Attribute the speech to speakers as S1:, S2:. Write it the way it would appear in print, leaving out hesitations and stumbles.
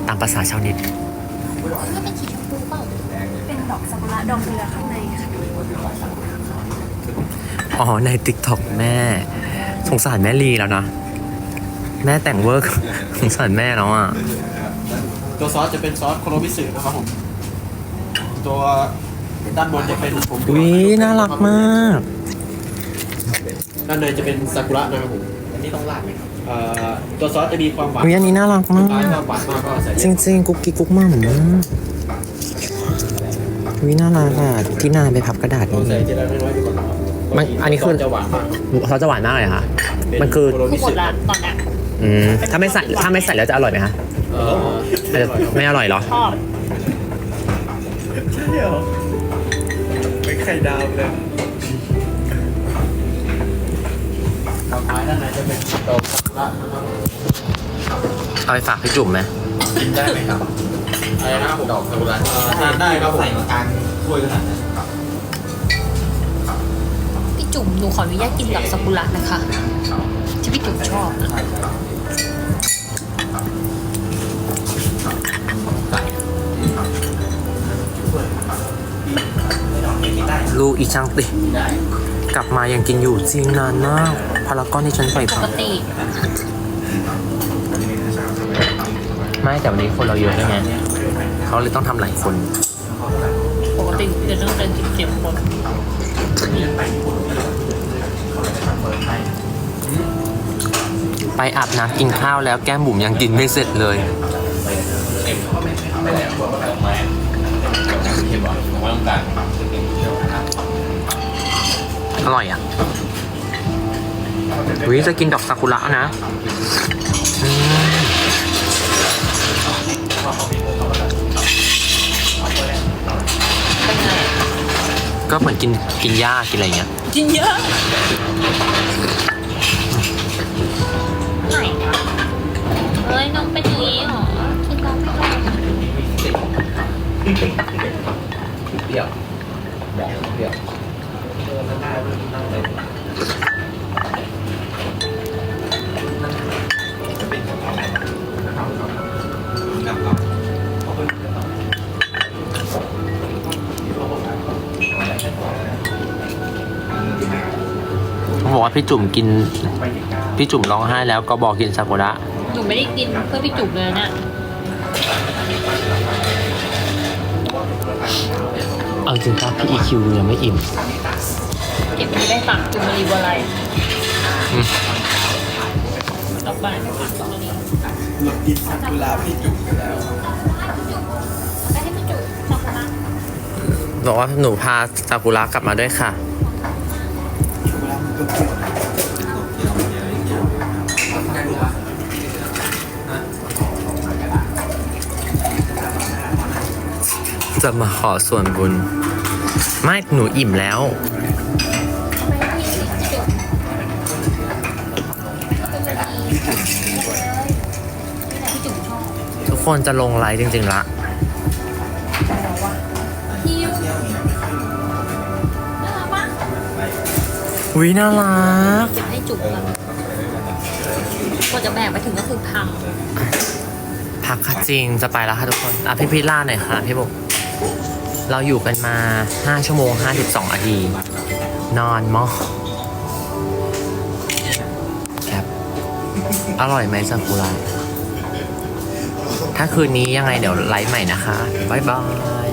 S1: ตามภาษาชาวเน็ต
S2: ถ้าเป็นสีชมพูเปล่าเป็นดอกซากุระดอกเรือข้างในค่ะ
S1: อ๋อใน TikTok แม่สงสารแม่ลีแล้วนะ แม่แต่งเวิร์ก สงสารแม่แล้วอ่ะ
S3: ตัวซอสจะเป็นซอสโคโรมิสึนะครับผมตัวด้านบนจะเป็นผม
S1: วิน่ารักมาก
S3: ด้านในจะเป็นซากุระนะครับผมอันนี้ต้องราดไหมครับตัวซอสจะมีความหวาน
S1: วิอันนี้น่ารักมา
S3: ถ้าก หวานมากก็ใส่
S1: จริงๆกุ๊กกิ๊กกุ๊กมั่มวิน่ารักอ่ะที่นานไปพับกระดาษ
S3: ต้อง
S1: นี่
S3: ใส่ทีละน้อยๆไปก่อนนะครับ
S1: มันอันนี้คือ
S3: จะหวานมาก
S1: เขาจะหวานมากเลยค่ะ มันคือ
S3: โคโร
S2: คื
S3: มิ
S2: อหม
S3: สึ
S2: ดละตอนนี้
S1: ถ้าไม่ใส่แล้วจะอร่อยไหมคะ
S3: ไม่อร่อยครับ
S1: ไม่อร่อยเหรอ
S2: ชอบ
S3: ไม่ไข่ดาวเลยต่อไปด้านในจะเป็นดอกซากุระนะครับ
S1: เอาไปฝากพี่จุ๋มไหม
S3: กินได้ไหมครับอะไรนะครับผมดอกซากุระทานได้ครับผมใส่มาการถ้วยขนาดนั้น
S2: พี่จุ๋มหนูขออนุญาตกินดอกซากุระนะคะที่พี่จุ๋มชอบนะ
S1: ลูกอีช่างติกลับมายังกินอยู่จริงนานมากพารากอนที่ฉันใส่
S2: ป
S1: ผั
S2: ก
S1: ก
S2: ติ
S1: ไม่แต่วันนี้คนเราเยอะด้วยไงเขาเลยต้องทำหลายคน
S2: ปกติจะต้องเดินกินเก็บคน
S1: ไปอาบน้ำกินข้าวแล้วแก้มบุ๋มยังกินไม่เสร็จเลย อร่อยอ่ะวิจะกินดอกซากุระนะอืม
S2: เป็นไง
S1: ก็เหมือนกินหญ้ากินอะไรเงี้ย
S2: กินเยอะไหนเอ้ยน้องเป็นอย่างนี้เหรอกินน้องไม่ได้
S3: เปรี้ยวบอกเปรี้ยว
S1: เขาบอกว่าพี่จุ๋มกินพี่จุ๋มร้องไห้แล้วก็บอกกินซากุระ
S2: หนูไม่ได้กินเพื่อพี่จุ๋มเลยเนี่ย
S1: เอาจริงครับพี่ EQ ยังไม่อิ่ม
S2: เก็บไว้ได้ฝากจุ๋มมารีบัวไล
S1: อืม
S2: ต่อไปฝากจุ๋มมารี
S3: เรากินซากุระพี่จุกกันแล้ว
S2: ได้ให้พี่จุ๋มซากุระ
S1: บอกว่าหนูพาซากุระกลับมาด้วยค่ะ จะมาขอส่วนบุญ ไม่หนูอิ่มแล้ว
S2: พี่จุ๋มชอบ
S1: ทุกคนจะลงไลฟ์จริงๆละ
S2: ฮิวน่ารักปะ
S1: วิน่ารัก
S2: อยากให้จุ๋มแบบกว่าจะแบกไปถึงก็คือพัง
S1: พักค่ะจริงจะไปแล้วค่ะทุกคนอ่ะพี่พิล่าหน่อยค่ะพี่บุ๋มเราอยู่กันมา5 ชั่วโมง 52 นาที นอนมากครับ อร่อยไหมซากุระถ้าคืนนี้ยังไงเดี๋ยวไลฟ์ใหม่นะคะ บ๊ายบาย